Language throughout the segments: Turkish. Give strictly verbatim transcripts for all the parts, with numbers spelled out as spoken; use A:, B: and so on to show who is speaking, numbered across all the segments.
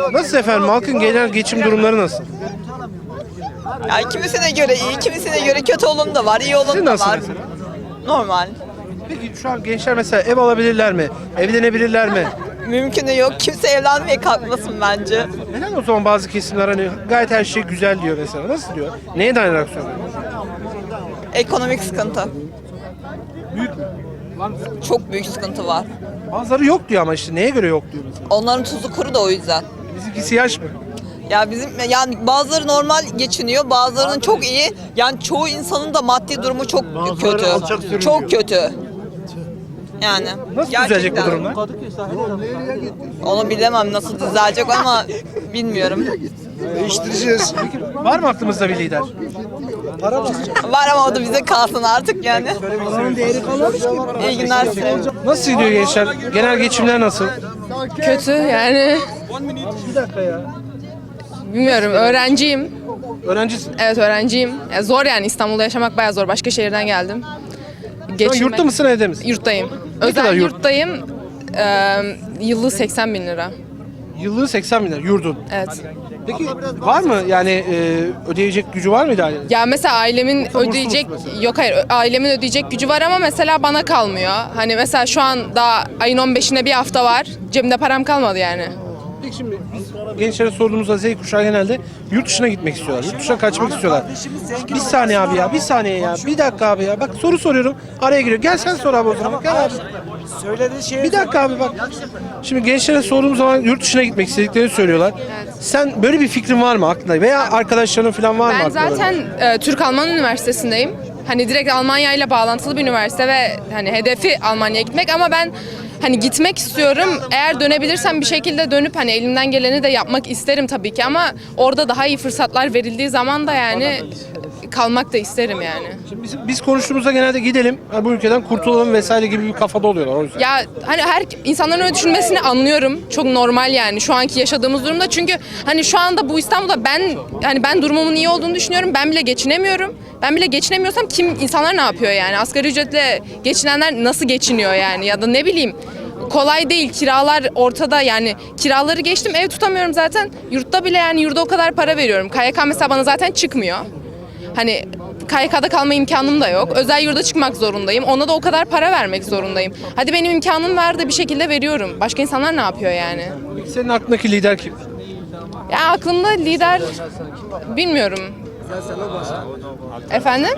A: Nasıl efendim? Halkın genel geçim durumları nasıl?
B: Yani kimisine göre iyi, kimisine göre kötü olan da var, iyi olan
A: Sizin
B: da
A: nasıl
B: var.
A: mesela?
B: Normal.
A: Peki şu an gençler mesela ev alabilirler mi? Evlenebilirler mi?
B: Mümkünü yok. Kimse evlenmeye kalkmasın bence.
A: Neden o zaman bazı kesimler hani gayet her şey güzel diyor mesela? Nasıl diyor? Neye dayanarak söylüyor?
B: Ekonomik sıkıntı.
A: Büyük mü?
B: Çok büyük sıkıntı var.
A: Bazıları yok diyor ama işte neye göre yok diyor mesela?
B: Onların tuzu kuru da o yüzden.
A: Bizimkisi yaş mı?
B: Ya bizim yani bazıları normal geçiniyor, bazılarının çok iyi. Yani çoğu insanın da maddi durumu çok kötü. Çok kötü. Yani.
A: Nasıl
B: gerçekten.
A: düzelecek bu durumlar?
B: Onu bilemem nasıl düzelecek ama bilmiyorum.
C: Değiştireceğiz.
A: Var mı aklımızda bir lider?
B: Var ama o da bize kalsın artık yani. İyi günler size.
A: Nasıl gidiyor gençler? Genel geçimler nasıl?
D: Kötü yani.
A: Bir dakika ya.
D: Bilmiyorum, öğrenciyim.
A: Öğrencisin.
D: Evet, öğrenciyim. Ya zor yani, İstanbul'da yaşamak bayağı zor. Başka şehirden geldim.
A: Şu an
D: Geçinmek-
A: yurtta mısın evde misin?
D: Yurttayım.
A: kadar
D: Özel
A: yurt?
D: yurttayım. Ee, yıllık seksen bin lira.
A: Yıllığı seksen bin lira yurdun.
D: Evet.
A: Peki var mı yani e, ödeyecek gücü var mıydı ailenin?
D: Ya mesela ailemin
A: burslu
D: ödeyecek,
A: musun mesela?
D: yok hayır, ailemin ödeyecek gücü var ama mesela bana kalmıyor. Hani mesela şu an daha ayın on beşine bir hafta var. Cebimde param kalmadı yani.
A: Peki şimdi biz gençlere sorduğumuzda Z kuşağı genelde yurt dışına gitmek istiyorlar. Yurt dışına kaçmak istiyorlar. Bir saniye abi ya, bir saniye ya, bir dakika abi ya. Bak soru soruyorum, araya giriyor. Gel sen sor abi o zaman. Gel abi.
C: Söylediği şey
A: Bir dakika abi bak. Şimdi gençlere sorduğumuz zaman yurt dışına gitmek istediklerini söylüyorlar. Sen böyle bir fikrin var mı aklında? Veya arkadaşların falan var mı
D: Ben
A: aklında?
D: zaten e, Türk-Alman Üniversitesi'ndeyim. Hani direkt Almanya ile bağlantılı bir üniversite ve hani hedefi Almanya'ya gitmek ama ben hani gitmek istiyorum. Eğer dönebilirsem bir şekilde dönüp hani elimden geleni de yapmak isterim tabii ki ama orada daha iyi fırsatlar verildiği zaman da yani kalmak da isterim yani.
A: Şimdi biz, biz konuştuğumuzda genelde gidelim, hani bu ülkeden kurtulalım vesaire gibi bir kafada oluyorlar o yüzden.
D: Ya hani her insanların öyle düşünmesini anlıyorum. Çok normal yani şu anki yaşadığımız durumda. Çünkü hani şu anda bu İstanbul'da ben hani ben durumumun iyi olduğunu düşünüyorum. Ben bile geçinemiyorum. Ben bile geçinemiyorsam kim insanlar ne yapıyor yani? Asgari ücretle geçinenler nasıl geçiniyor yani? Ya da ne bileyim, kolay değil. Kiralar ortada yani. Kiraları geçtim, ev tutamıyorum zaten. Yurtta bile yani yurda o kadar para veriyorum. K Y K mesela bana zaten çıkmıyor. Hani K Y K'da kalma imkanım da yok. Özel yurda çıkmak zorundayım. Ona da o kadar para vermek zorundayım. Hadi benim imkanım var da bir şekilde veriyorum. Başka insanlar ne yapıyor yani?
A: Peki senin aklındaki lider kim?
D: Ya aklımda lider bilmiyorum. Efendim?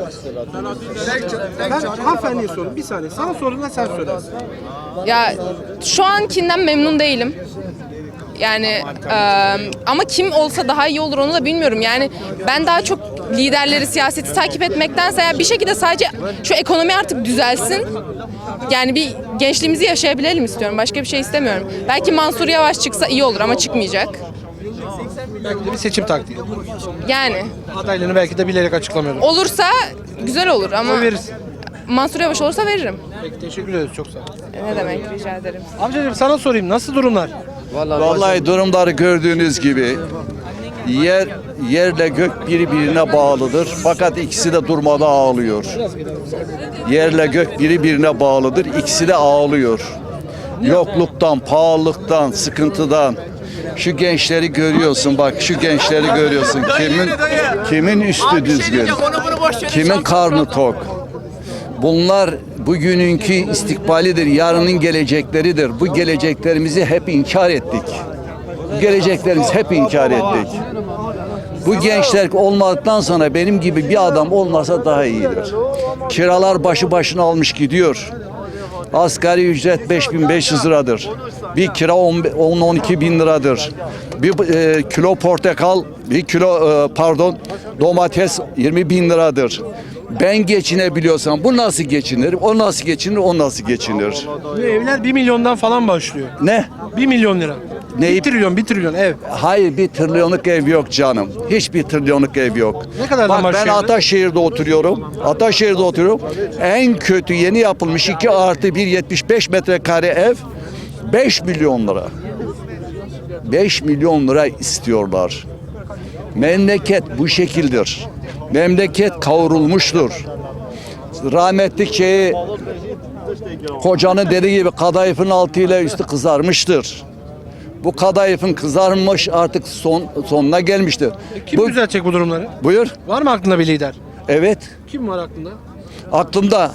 A: Ben hanımefendiye sorayım, bir saniye. Sana sorduğumda sen söyle.
D: Ya şu ankinden memnun değilim. Yani e, ama kim olsa daha iyi olur onu da bilmiyorum. Yani ben daha çok liderleri, siyaseti takip etmektense yani bir şekilde sadece şu ekonomi artık düzelsin. Yani bir gençliğimizi yaşayabilelim istiyorum. Başka bir şey istemiyorum. Belki Mansur Yavaş çıksa iyi olur ama çıkmayacak.
A: Belki de bir seçim taktiği.
D: Yani
A: Adaylarını belki de bilerek açıklamıyorlar.
D: olursa güzel olur ama
A: Oy verirsin.
D: Mansur Yavaş olursa veririm.
A: Peki teşekkür ederiz, çok sağ ol.
D: Ne demek, rica ederim.
A: Amcacığım sana sorayım, nasıl durumlar?
E: Vallahi durumları gördüğünüz gibi yer yerle gök birbirine bağlıdır. Fakat ikisi de durmadan ağlıyor. Yerle gök birbirine bağlıdır. İkisi de ağlıyor. Yokluktan, pahalılıktan, sıkıntıdan. Şu gençleri görüyorsun bak, şu gençleri görüyorsun. Kimin kimin üstü düzgün? Kimin karnı tok? Bunlar bugününkü istikbalidir, yarının gelecekleridir. Bu geleceklerimizi hep inkar ettik. Bu geleceklerimizi hep inkar ettik. Bu gençler olmadıktan sonra benim gibi bir adam olmasa daha iyidir. Kiralar başı başına almış gidiyor. Asgari ücret beş bin beş yüz liradır. Bir kira on on iki bin liradır. Bir e, kilo portakal, bir kilo e, pardon domates yirmi bin liradır. Ben geçinebiliyorsam bu nasıl geçinir? O nasıl geçinir? O nasıl geçinir?
A: Bu evler bir milyondan falan başlıyor.
E: Ne?
A: Bir milyon lira.
E: Neyi?
A: Bir trilyon, bir trilyon ev.
E: Hayır, bir trilyonluk ev yok canım. Hiçbir trilyonluk ev yok.
A: Ne kadardan
E: Bak ben
A: başlıyor?
E: Ataşehir'de oturuyorum. Ataşehir'de oturuyorum. En kötü yeni yapılmış iki artı bir yetmiş beş metrekare ev beş milyon lira. beş milyon lira istiyorlar. Memleket bu şekildir. Memleket kavrulmuştur. Rahmetli şeyi kocanın dediği gibi kadayıfın altıyla üstü kızarmıştır. Bu kadayıfın kızarmış artık son sonuna gelmiştir.
A: Kim
E: Bu,
A: düzeltecek bu durumları?
E: buyur.
A: Var mı aklında bir lider?
E: Evet.
A: Kim var aklında?
E: Aklımda.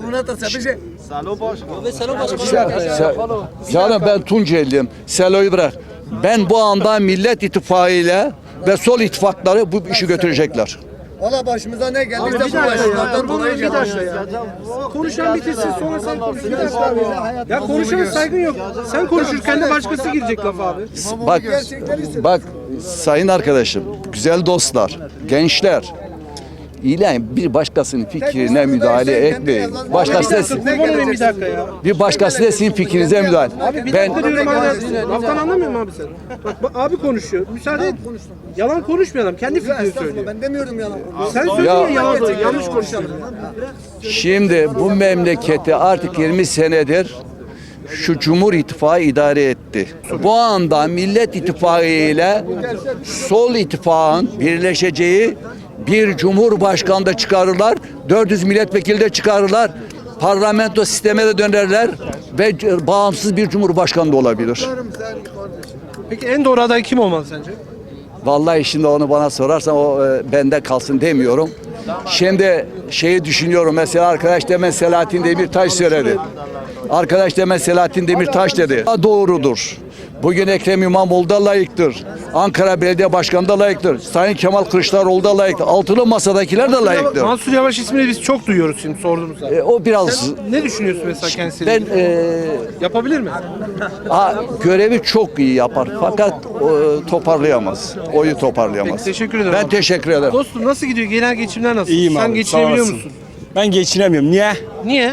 E: Se- Canım ben Tunceliyim. Selo'yu bırak. Ben bu anda Millet İttifakı ile ve Sol ittifakları bu işi götürecekler.
C: Valla başımıza ne geldi?
A: Bir dakika ya. Bir dakika ya. Konuşan bitirsin sonra sen konuş. Bir dakika abi ya. Ya konuşana saygın yok. Sen konuşurken de başkası girecek lafa abi.
E: Bak, bak sayın arkadaşım, güzel dostlar, gençler. İlahi bir başkasının fikrine müdahale etmeyin. Başkası da
A: Kurban olayım bir dakika ya.
E: bir başkası da sizin fikrinize müdahale.
A: Abi bir
E: Ben
A: dakika diyorum abi. Laftan anlamıyor musun abi sen? Bak, bak abi konuşuyor. Müsaade et. Yalan konuşmuyor adam. Kendi fikrini söylüyor.
C: Ben demiyorum yalan.
A: Sen söylüyorsun ya yalan, yanlış konuşuyorsun.
E: şimdi bu memleketi artık yirmi senedir şu Cumhur İttifakı idare etti. Bu anda Millet İttifakı ile Sol İttifakın birleşeceği bir Cumhurbaşkanı da çıkarırlar, dört yüz milletvekili de çıkarırlar, parlamento sisteme de dönerler ve bağımsız bir Cumhurbaşkanı da olabilir.
A: Peki en doğru aday kim olmalı sence?
E: Vallahi şimdi onu bana sorarsan o e, bende kalsın demiyorum. Şimdi şeyi düşünüyorum mesela arkadaş demen Selahattin Demirtaş söyledi. Arkadaş demen Selahattin Demirtaş dedi. Doğrudur. Bugün Ekrem İmamoğlu da layıktır. Ankara Belediye Başkanı da layıktır. Sayın Kemal Kılıçdaroğlu da layıktır. Altılı masadakiler de layıktır.
A: Mansur Yavaş ismini biz çok duyuyoruz şimdi sorduğumuzda.
E: E, o biraz
A: Sen ne düşünüyorsun mesela kendisiyle?
E: ben e,
A: Yapabilir mi?
E: a, görevi çok iyi yapar fakat e, toparlayamaz. Oyu toparlayamaz.
A: Peki, teşekkür ederim
E: Ben
A: abi.
E: teşekkür ederim.
A: Dostum nasıl gidiyor? Genel geçimler nasıl?
F: İyiyim
A: Sen
F: abi,
A: geçinebiliyor
F: sağ olasın.
A: musun?
F: Ben geçinemiyorum. Niye?
A: Niye?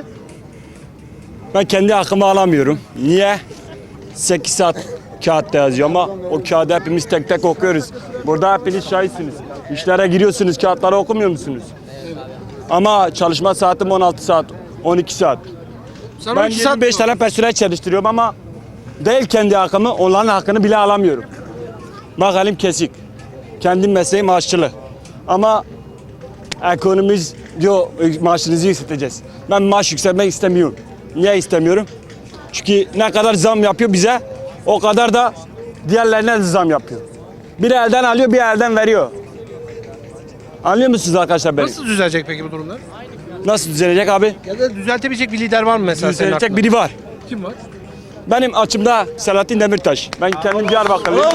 F: Ben kendi hakkımı alamıyorum. Niye? sekiz saat kağıtta yazıyor ama o kağıdı hepimiz tek tek okuyoruz. Burada hepiniz şahitsiniz. İşlere giriyorsunuz, kağıtları okumuyor musunuz? Ama çalışma saatim on altı saat, on iki saat.
A: Sen
F: Ben
A: on iki saat
F: yirmi beş tane personel çalıştırıyorum ama değil kendi hakkımı, onların hakkını bile alamıyorum. Bak elim kesik. Kendi mesleğim aşçılık. Ama ekonomimiz diyor maaşınızı yükselteceğiz. Ben maaş yükseltmek istemiyorum. Niye istemiyorum? Çünkü ne kadar zam yapıyor bize, o kadar da diğerlerine de zam yapıyor. Bir elden alıyor, bir elden veriyor. Anlıyor musunuz arkadaşlar beni?
A: nasıl düzelecek peki bu durumlar?
F: Nasıl düzelecek abi?
A: Ya da düzeltebilecek bir lider var mı mesela senin
F: Düzelecek
A: aklında?
F: biri var.
A: Kim var?
F: Benim açımda Selahattin Demirtaş. Ben kendim Diyarbakırlıyım.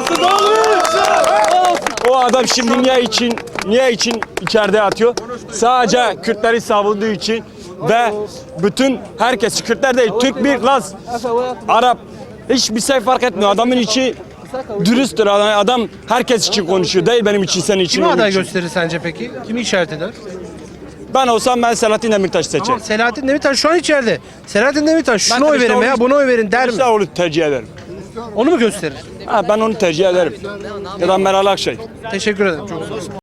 F: O adam şimdi niye için niye için içeride yatıyor? Sadece Kürtleri savunduğu için ve bütün herkes Kürtler değil, Türk bir Laz, Arap hiçbir şey fark etmiyor. Adamın içi dürüsttür. Adam herkes için konuşuyor. Değil benim için, senin için.
A: Kimi
F: onun
A: aday
F: için.
A: gösterir sence peki? Kimi işaret eder?
F: Ben olsam ben Selahattin Demirtaş seçerim.
A: Ama Selahattin Demirtaş şu an içeride. Selahattin Demirtaş şuna oy verin
F: Kılıçdaroğlu-
A: veya buna oy verin der mi?
F: Kılıçdaroğlu tercih ederim.
A: Onu mu gösterir?
F: Ha, ben onu tercih ederim. Ya da Meral Akşener.
A: Teşekkür ederim. Çok sağ olun.